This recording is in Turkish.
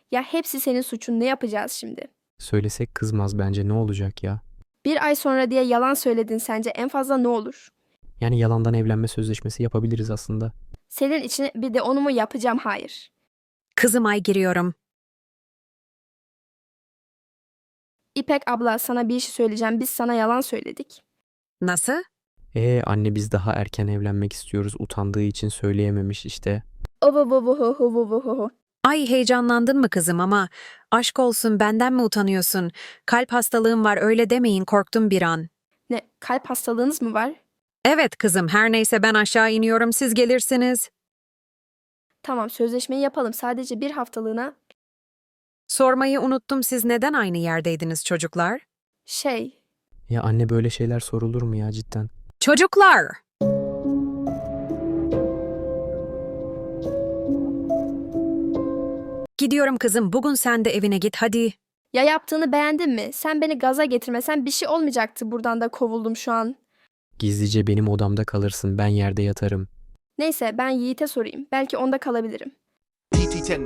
Ya hepsi senin suçun, ne yapacağız şimdi? Söylesek kızmaz bence, ne olacak ya? Bir ay sonra diye yalan söyledin, sence en fazla ne olur? Yani yalandan evlenme sözleşmesi yapabiliriz aslında. Senin için bir de onu mu yapacağım? Hayır. Kızım ay giriyorum. İpek abla, sana bir şey söyleyeceğim. Biz sana yalan söyledik. Nasıl? Anne biz daha erken evlenmek istiyoruz. Utandığı için söyleyememiş işte. Ovovovohohovohoho. Ay heyecanlandın mı kızım ama aşk olsun benden mi utanıyorsun? Kalp hastalığım var öyle demeyin korktum bir an. Ne, kalp hastalığınız mı var? Evet kızım her neyse ben aşağı iniyorum siz gelirsiniz. Tamam, sözleşmeyi yapalım. Sadece bir haftalığına. Sormayı unuttum siz neden aynı yerdeydiniz çocuklar? Şey, Ya anne böyle şeyler sorulur mu ya cidden? Çocuklar! Gidiyorum kızım bugün sen de evine git hadi. ya yaptığını beğendin mi? Sen beni gaza getirmesen bir şey olmayacaktı. Buradan da kovuldum şu an. Gizlice benim odamda kalırsın, ben yerde yatarım. Neyse, ben Yiğit'e sorayım. Belki onda kalabilirim. PT10